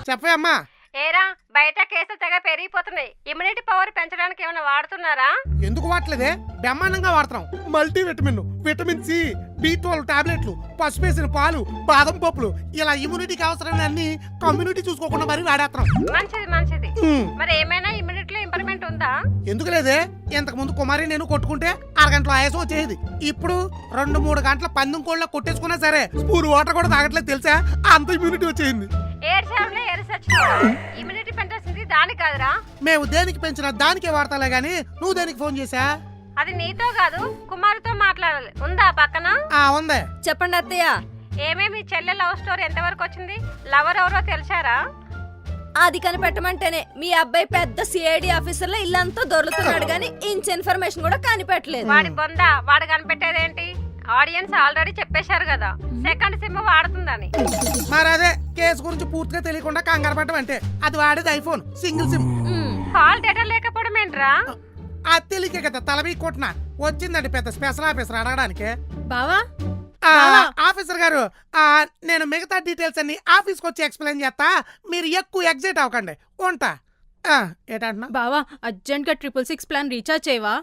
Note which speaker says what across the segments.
Speaker 1: చెప్పే అమ్మా.
Speaker 2: ఏరా బయట కేసులు తెగ పెరిగిపోతున్నాయి. ఇమ్యూనిటీ పవర్ పెంచడానికి ఏమైనా వాడుతున్నారా?
Speaker 1: ఎందుకు వాడలేదే? బ్రహ్మాండంగా వాడుతున్నాం. Multi vitamin, vitamin C, B12 టాబ్లెట్లు, పసుపు వేసిన పాలు, బాదం పప్పులు, ఇలా ఇమ్యూనిటీకి అవసరమైన అన్ని కమ్యూనిటీ చూసుకోకుండా మరి వాడేస్తున్నాం.
Speaker 2: మంచిది మంచిది. మరి ఏమైనా ఇమ్యూనిటీలో ఇంప్రూవ్మెంట్ ఉందా?
Speaker 1: ఎందుకు లేదే? ఇంతకు ముందు కుమారి నేను కొట్టుకుంటే అరగంటలో ఆయాసం వచ్చేది. ఇప్పుడు 2-3 గంటల పందెం కోళ్ళ కొట్టేసుకున్నా సరే స్పూన్ వాటర్ కూడా తాగట్లేదు తెలుసా? అంత ఇమ్యూనిటీ వచ్చేసింది.
Speaker 2: ఇమ్యూనిటీ పెంచాల్సింది దాని కాదురా.
Speaker 1: మేము దేనికి పెంచినా దానికే వాడతాలే గానీ నువ్వు దేనికి ఫోన్ చేసా?
Speaker 2: అది నీతో కాదు కుమారితో మాట్లాడాలి. ఉందా పక్కన?
Speaker 1: ఉంది.
Speaker 3: చెప్పండి అత్తయ్య.
Speaker 2: ఏమేమి చెల్లె లవ్ స్టోరీ ఎంతవరకు వచ్చింది? లవర్ ఎవరో తెలిసారా?
Speaker 3: అది కనిపెట్టమంటేనే మీ అబ్బాయి పెద్ద సిఐడి ఆఫీసర్ లో ఇల్లంతా దొరుకుతున్నాడు గానీ ఇంచ్ ఇన్ఫర్మేషన్ కూడా కనిపెట్టలేదు.
Speaker 2: వాడి బొందా వాడు కనిపెట్టేదేంటి? ఆడియన్స్ ఆల్రెడీ చెప్పేశారు కదా సెకండ్ సిమ్ వాడుతుందని.
Speaker 1: మరి అదే కేసు గురించి పూర్తిగా తెలియకుండా కంగారు పడటం అంటే. అది వాడేది iPhone single SIM.
Speaker 2: Call data లేకపోవడం ఏంట్రా?
Speaker 1: అది తెలియకే కదా తలబీ కొట్టిన వచ్చిందండి పెద్ద స్పెషల్ ఆఫీసర్ అడగడానికి.
Speaker 3: బావా
Speaker 1: ఆఫీసర్ గారు, నేను మిగతా డీటెయిల్స్ అన్ని ఆఫీస్కి వచ్చి ఎక్స్ప్లెయిన్ చేస్తా. మీరు ఎక్కువ ఎగ్జైట్ అవ్వకండి. ఉంటా. ఏంటంటున్నా?
Speaker 4: బావా అర్జెంట్ గా 666 ప్లాన్ రీఛార్జ్ చేయవా?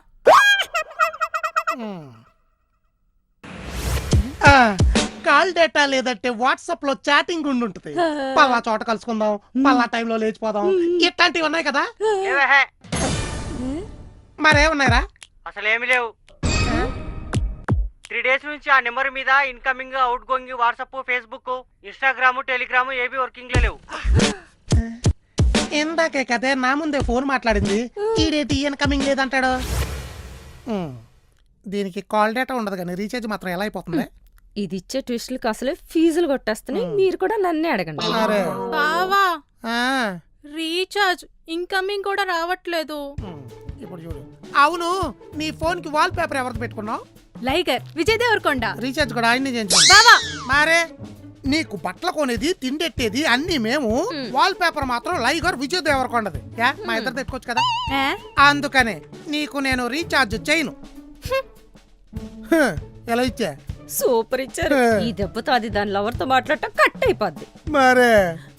Speaker 1: కాల్ డేటా లేదంటే వాట్సాప్ లో చాటింగ్ ఉండుంటది. పలా చోట కలుసుకుందాం, పలా టైంలో లేచిపోదాం, ఇట్లాంటివి ఉన్నాయి కదా. మరేమున్నాయిరా?
Speaker 5: అసలేమి లేవు. 3 days నుంచి ఆ నెంబర్ మీద incoming, outgoing, WhatsApp, Facebook, Instagram, telegram ఏవి వర్కింగ్ లేవు.
Speaker 1: ఇందాకే కదే నా ముందే ఫోన్ మాట్లాడింది. ఈడేటి ఇన్కమింగ్ లేదంటాడు. దీనికి కాల్ డేటా ఉండదు కానీ రీఛార్జ్ మాత్రం ఎలా అయిపోతుంది?
Speaker 3: ఇది ఇచ్చే ట్విస్టులకు అసలే ఫీజులు కొట్టేస్తున్నాయి. మీరు కూడా నన్నే అడగండి.
Speaker 4: బావా రీఛార్జ్ ఇన్కమింగ్ కూడా రావట్లేదు.
Speaker 1: ఇప్పుడు చూడు. అవును, నీ ఫోన్ కి వాల్ పేపర్ ఎవరిది పెట్టుకున్నావు?
Speaker 4: లైగర్ విజయ్ దేవరకొండ.
Speaker 1: రీఛార్జ్ కూడా ఆయన్ని చేయించాం.
Speaker 4: బావా
Speaker 1: మరే నీకు బట్టలు కొనేది, తిండెట్టేది అన్ని మేము. వాల్ పేపర్ మాత్రం లైగర్ విజయ్ దేవరకొండది. మా ఇద్దరు పెట్టుకోవచ్చు కదా. అందుకనే నీకు నేను రీఛార్జ్ చేయను. ఎలా ఇచ్చా?
Speaker 3: సూపర్ ఇచ్చారు. ఈ దెబ్బతో అది దాని లవర్ తో మాట్లాడటం కట్ అయిపోద్ది.
Speaker 1: మరే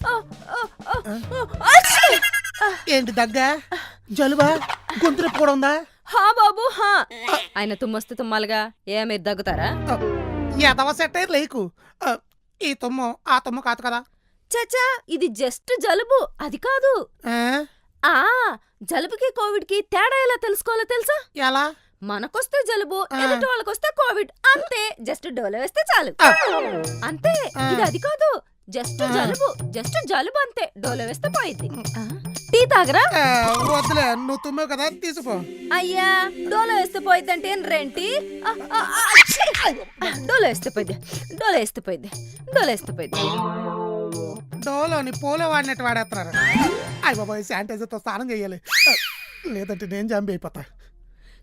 Speaker 1: ఏంటి దగ్గ, జలుబా, గొంతు నొప్పి కూడా ఉందా?
Speaker 3: హా బాబు హా. ఆయన తుమ్మొస్తే తుమ్మాలిగా. మీరు దగ్గుతారా?
Speaker 1: ఎదవ సెట్ అయ్యి లేకు. ఈ తుమ్ము ఆ తుమ్ము కాదు కదా.
Speaker 3: చచ్చా, ఇది జస్ట్ జలుబు, అది కాదు. జలుబుకి కోవిడ్ కి తేడా ఎలా తెలుసుకోవాలో తెలుసా?
Speaker 1: ఎలా?
Speaker 3: మనకొస్తే జలుబు, ఎదుటి వాళ్ళకొస్తే కోవిడ్. అంతే, జస్ట్ డోలో వేస్తే చాలు. అంతే, ఇది అది కాదు. జస్ట్ జలుబు అంతే. డోలో వేస్తే పోయింది. టీ తాగరా?
Speaker 1: వద్దులే, నువ్వు తుమ్మావు కదా, తీసుకో.
Speaker 3: అయ్యా, డోలో వేస్తే పోయిద్దంటే ఏంటి? డోలో వేస్తే పోయింది.
Speaker 1: డోలోని పోలో వాడినట్టు వాడేస్తున్నారు. అయ్య బాబాయ్, శానిటైజర్తో స్నానం చేయాలి, లేదంటే నేను జంబి అయిపోతా.